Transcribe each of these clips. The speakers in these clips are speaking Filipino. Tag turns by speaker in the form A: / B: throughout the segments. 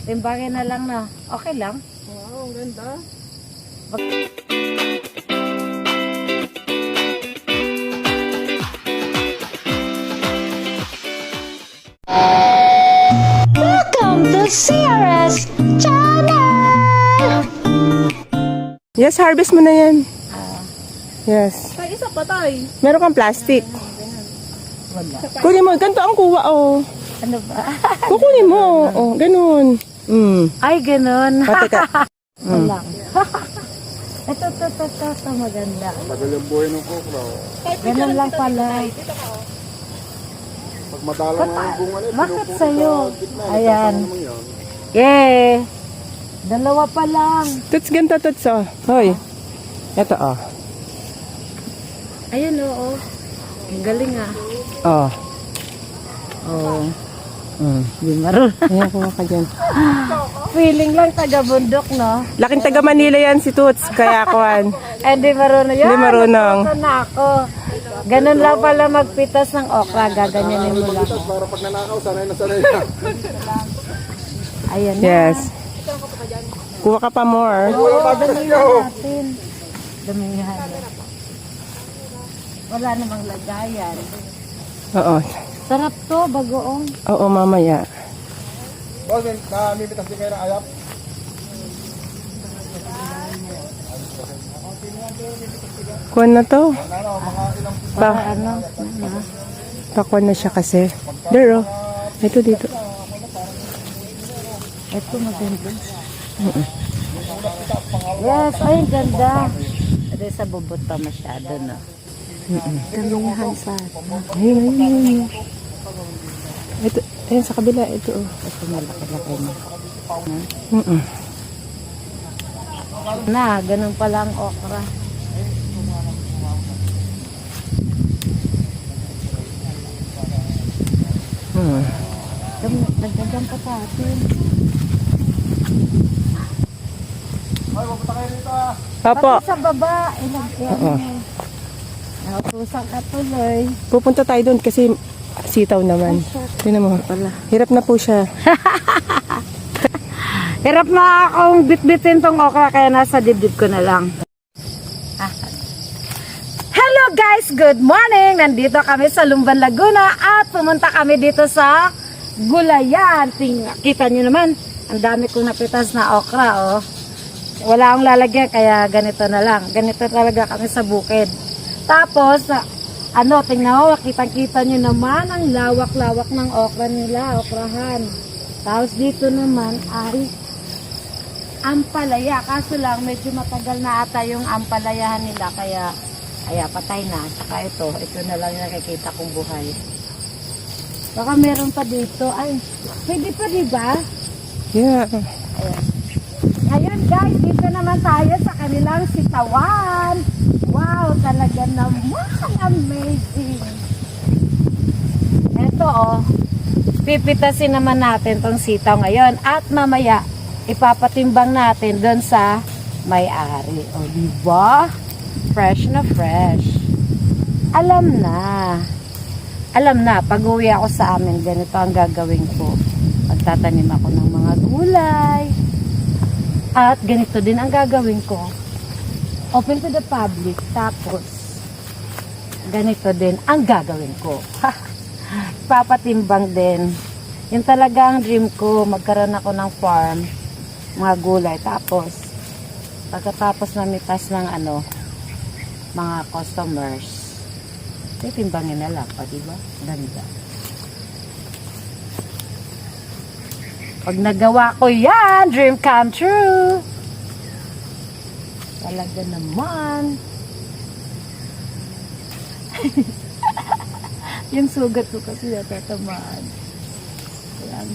A: Timbangin na lang na. Okay lang.
B: Wow, ang ganda.
A: Welcome to CRS Channel!
B: Yes, harvest mo na yan. Yes.
C: Tay, isa pa tay.
B: Meron kang plastic.
A: Wala.
B: Kunin mo. Ganito ang kuha, oh.
A: Ano ba?
B: Kukunin mo. Oh, ganun.
A: Ay, ganun.
B: Pati ka.
A: Wala. Ito, maganda.
D: Tagal yung buhay ng okra.
A: Ganun lang pala.
D: Pag madalang nga yung bunga nito,
A: Bakit sa'yo? Ayan.
D: naman yan.
A: Yay! Dalawa pa lang.
B: Tuts, ganito, tuts, oh. Hoy. Ito, oh.
A: Ayun, oo. Ang galing ah.
B: Oh.
A: Oo. Di marunong.
B: Ayan, kuha ka dyan.
A: Feeling lang taga-bundok, no?
B: Laking taga Manila yan si Tuts. Kaya kuhan.
A: Eh, di marunong. Yan,
B: Di marunong.
A: natuto na ako. Ganun lang pala magpitas ng okra. Gaganyanin mo lang.
D: Para pag nanakaw, sanay na sanay na.
A: Ayan na.
B: Yes. Kuha ka pa more.
A: Oo, damihan natin. Damihan. Wala namang lagayan.
B: Oo.
A: Sarap to, bagoong.
B: Oo, mamaya.
D: Boss, namimitas din kayo ng ayap?
B: Kuha na to.
A: Para ano?
B: Pakuha na siya kasi. There, oh. Ito dito.
A: Ito maganda. Yes, ay, ang ganda. Ito sa bubot pa masyado, no? Damihan sa
B: Ayun, ayun, ayun. Ito, ayun sa kabila. Ito, oh.
A: ito malaki-laki na.
B: Mm-mm.
A: Na, ganun pala ang okra. Nagdagan pa sa atin.
D: Ay, mapunta kayo dito ah.
B: Opo.
A: Pati sa baba, ilagyan mo. Nautusan ka tuloy.
B: Pupunta tayo doon kasi sitaw naman. Tingnan mo. Hirap na po siya.
A: Hirap na akong bit-bitin tong okra kaya nasa dibdib ko na lang. Hello guys! Good morning! Nandito kami sa Lumban, Laguna at pumunta kami dito sa Gulayan. Kita nyo naman, ang dami kong napitas na okra. Oh. Wala akong lalagyan kaya ganito na lang. Ganito talaga kami sa bukid. Tapos, tingnan mo, kitang-kita nyo naman ang lawak-lawak ng okra nila, okrahan. Tapos dito naman ay ampalaya. Kaso lang, medyo matagal na ata yung ampalayahan nila. Kaya patay na. Saka ito na lang yung nakikita kong buhay. Baka meron pa dito. Ay, pwede pa diba?
B: Yeah.
A: Ayan. Ngayon guys, dito naman tayo sa kanilang sitawan. Wow, talaga naman amazing. Ito oh, pipitasin naman natin tong sitaw ngayon at mamaya ipapatimbang natin doon sa may-ari. O diba? Fresh na fresh. Alam na, pag uwi ako sa amin, ganito ang gagawin ko. Magtatanim ako ng mga gulay. At ganito din ang gagawin ko. Open to the public. Tapos, ganito din ang gagawin ko. Papatimbang din. Yung talaga ang dream ko, magkaroon ako ng farm, mga gulay. Tapos, pagkatapos mamitas ng mga customers, timbangin na lang pa, diba? Ganda. Pag nagawa ko yan, dream come true. Talaga naman. Yung sugat ko kasi natatamaan. Ayan.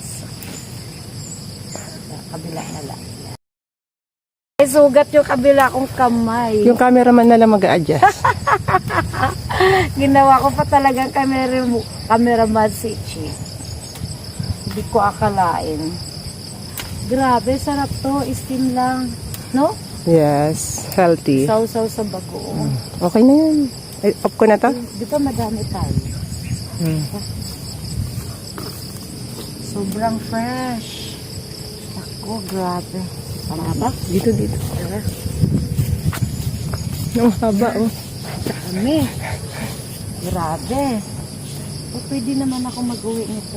A: Kabila na lang. Ay, sugat yung kabila kong kamay.
B: Yung cameraman na lang mag-a-adjust.
A: Ginawa ko pa talagang cameraman si Chi. Hindi ko akalain. Grabe, sarap to. Steam lang. No?
B: Yes, healthy.
A: Sausaw sa bagoong.
B: Okay na yan. Off ko na to?
A: Di ba madami tayo? Sobrang fresh. ko, grabe. Tama ba?
B: Dito. Ang haba, oh.
A: Dami. Grabe. O, pwede naman ako mag-uwi nito.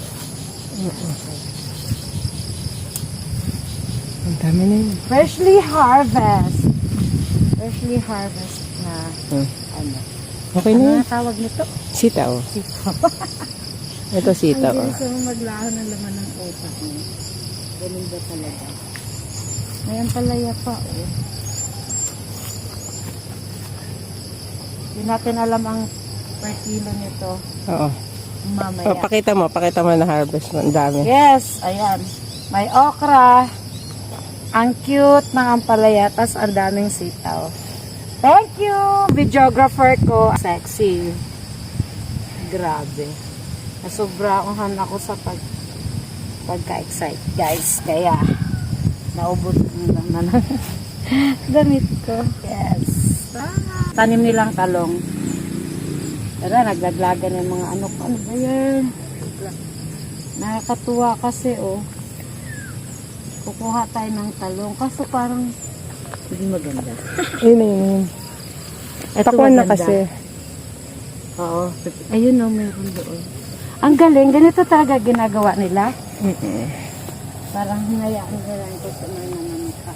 B: Ang dami na yun.
A: Freshly harvest. Freshly harvest na ano.
B: Okay na
A: Ano
B: yun.
A: ang tawag nito?
B: Sitaw. Ito sitaw,
A: Ang
B: oh.
A: bilis mo maglaho ng laman ng utak mo. Ganun ba talaga? May ampalaya pa, oh. Hindi natin alam ang per kilo nito.
B: Oo.
A: Mamaya.
B: Oh, pakita mo na harvest mo. Ang dami.
A: Yes, ayan. May okra. Ang cute ng ampalaya, tas ang daming sitaw. Thank you! Videographer ko, sexy. Grabe. Nasobrahan ako sa pagka-excite, guys. Kaya, naubos naman ang damit ko. Yes. Tanim nilang talong. Pero naglaglagan yung mga ano ba yan? Nakakatuwa kasi, oh. Kukuha tayo ng talong. Kaso parang hindi maganda.
B: Yun.
A: Ito
B: Pakuan na
A: maganda.
B: kasi.
A: Oo. Ayun o, meron doon. Ang galing. Ganito talaga ginagawa nila. Parang hinayaan nila ito sa mga nanamika.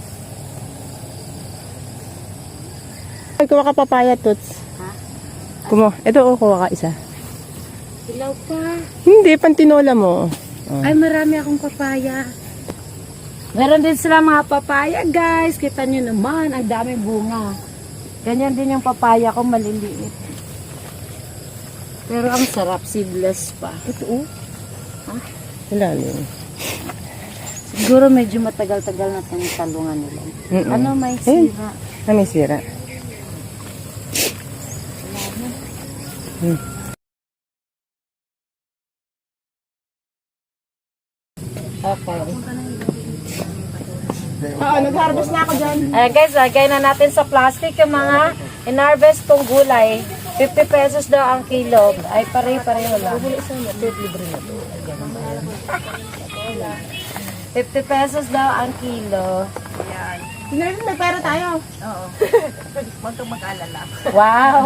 B: Ay, kuha ka papaya, Toots.
A: Ha?
B: Ito, kuha ka isa.
A: Ilaw pa.
B: Hindi, pantinola mo.
A: Ay, marami akong papaya. Meron din sila mga papaya, guys. Kita nyo naman, ang daming bunga. Ganyan din yung papaya ko, maliliit. Pero ang sarap, seedless pa.
B: Ito, oh. Ilalim.
A: Siguro medyo matagal-tagal na itong talungan nila. Ano, may sira.
B: May sira.
A: Okay.
B: Oo, nag-harvest na ako dyan.
A: Guys, lagay na natin sa plastic yung mga in-harvest kong gulay. 50 pesos daw ang kilo. Ay, pare-pareho lang. 50 pesos daw ang kilo.
B: Sinabi, may pera tayo.
C: Huwag kang mag-alala.
A: Wow!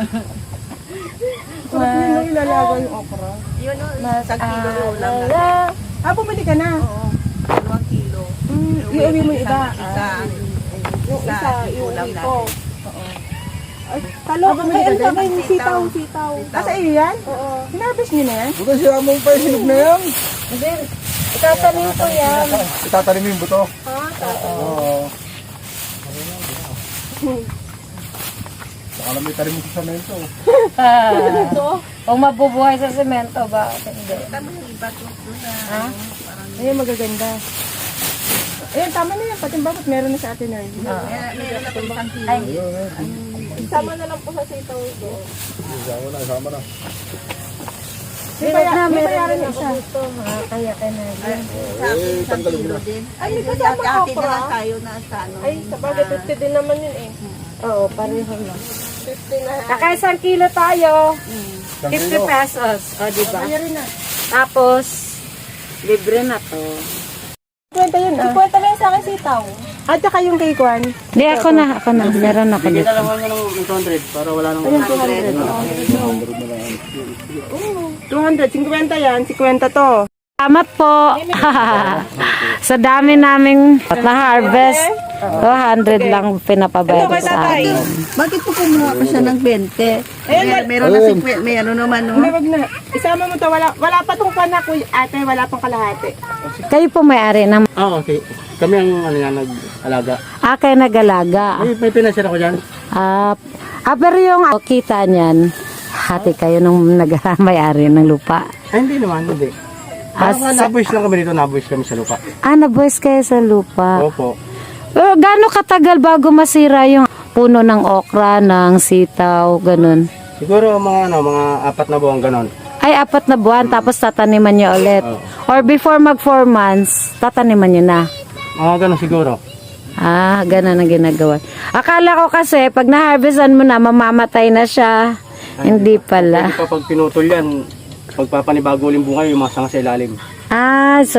B: Sarap yun, no, ilalaga yung okra.
C: Yun o,
A: Mas
C: isang kilo yung ulam na.
A: alala.
B: Bumili ka na.
C: Oo, 2 kilo.
B: Iuwi mo yung iba.
C: Yung isa, ulam natin.
B: Talo, ay, ano ka ba yung sitaw. Kasi iyo yan? Oo. Hinarvest nyo na yan?
D: Buto siya mo pa yung hinog na yan.
A: Hindi, itatanim ko yan.
D: Itatanim mo yung buto. Oo. Baka lang may tanim mo sa semento.
A: Kung mabubuhay sa semento ba? Hindi.
C: Tama yung iba doon na.
A: Ha?
B: Ayun, magaganda. Ayun, tama na yan. Pati bakit meron na sa atin na
C: Meron ako isang kilo.
A: Ay,
B: Sama na lang po sa sitaw doon.
D: Isama na.
A: May na,
B: may
A: meron
B: bayaran
A: din
B: na
A: ako
B: isa.
A: dito. Kaya ka na.
C: Sa akin, isang kilo din.
B: Ay, may
C: Ay,
B: kasama
C: ate
B: okra.
C: na lang tayo na sa ano.
B: Ay, sa bagay, 50 din naman yun eh.
A: Oo, pareho lang.
B: 50 na.
A: Naka-1 kilo tayo. 50 pesos. O, diba?
B: Rin na.
A: Tapos, libre na to.
B: 50 yun ah. 50 lang sa akin sitaw. At saka yung kay Kwan.
A: Hindi, ako na. Meron ako dito.
E: Dalawa mo ng 200 para wala nang
B: 200, 50 yan, 50 to.
A: Salamat po. Sa dami naming na-harvest, 200 lang pinapabayad sa akin.
C: Bakit po kumuha pa siya ng 20? Meron na 50, may ano naman no?
B: Hindi, wag na. Isama mo to, wala pa tong panak, ate, wala pang kalahati.
A: Kayo po may-ari ng...
E: okay. Kami ang ano yan, nag-alaga.
A: Kayo nag-alaga.
E: May pinasira ko dyan.
A: Pero yung kita niyan, hati kayo nung nag-may-ari ng lupa.
E: Ay, hindi naman, hindi. Parang nabuhis lang kami dito, nabuhis kami sa lupa.
A: Naboys kayo sa lupa.
E: Opo.
A: Pero gaano katagal bago masira yung puno ng okra, ng sitaw, ganun?
E: Siguro mga 4 na buwan ganon.
A: Ay, 4 na buwan, tapos tataniman nyo ulit. Or before mag 4 months, tataniman nyo na.
E: Mga ganon siguro.
A: Ganun ang ginagawa. Akala ko kasi, pag na-harvestan mo na, mamamatay na siya. Hindi pala.
E: Hindi pa pag pinutol yan, pagpapanibago ulit bunga yung mga sanga sa ilalim.
A: So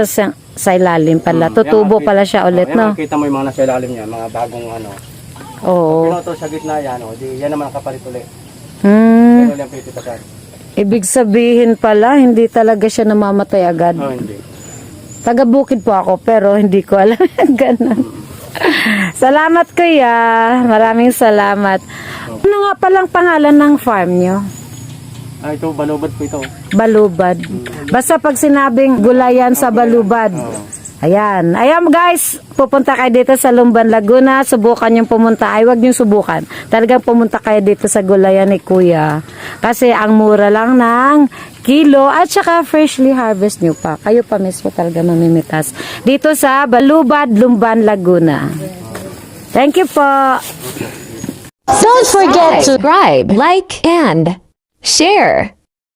A: sa ilalim pala. Tutubo pala siya ulit, no?
E: Kita mo yung mga nasa ilalim niya, mga bagong ano.
A: Oo.
E: Pinoto sa gitna yan, di yan naman ang kapalit ulit.
A: Hmm.
E: Pero yung pipitasan.
A: Ibig sabihin pala, hindi talaga siya namamatay agad.
E: Oh, hindi.
A: Taga-bukid po ako, pero hindi ko alam. Ganun. Salamat, kuya. Maraming salamat. Ano nga palang pangalan ng farm nyo?
E: Ito, balubad po ito.
A: Balubad. Basta pag sinabing gulayan sa Balubad. Ayan. Ayan guys, pupunta kayo dito sa Lumban, Laguna. Subukan yung pumunta. Ay, wag yung subukan. Talagang pumunta kayo dito sa gulayan ni Kuya. Kasi ang mura lang ng kilo at saka freshly harvest nyo pa. Kayo pa mismo talaga mamimitas. Dito sa Balubad, Lumban, Laguna. Thank you po.
F: Don't forget to subscribe, like, and share.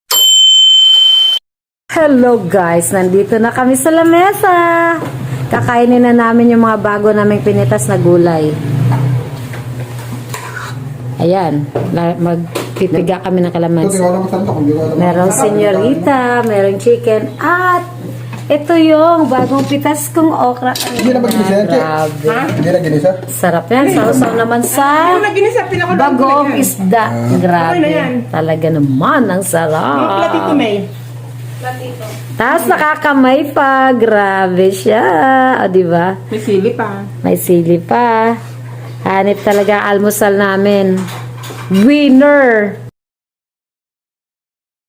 A: Hello guys, nandito na kami sa lamesa. Kakainin na namin yung mga bago naming pinitas na gulay. Ayan, magpipiga kami ng
D: Ito, di
A: kalamansi.
D: ko alam kung saan to. Kung di ko alam.
A: Merong senyorita, merong chicken, at ito yung bagong pitas kong okra.
D: Hindi na mag-ginisa yan, Che.
A: Grabe.
D: Hindi na ginisa.
A: Sarap yan. Sausaw naman sa
B: Naginis sa pinakuluan ko na
A: bagong
B: yan.
A: isda. Grabe. Talaga naman, ang sarap.
B: Platito May.
A: Tapos nakakamay pa. Grabe siya. O, diba?
B: May sili pa.
A: May sili pa. Hanip talaga ang almusal namin. Winner!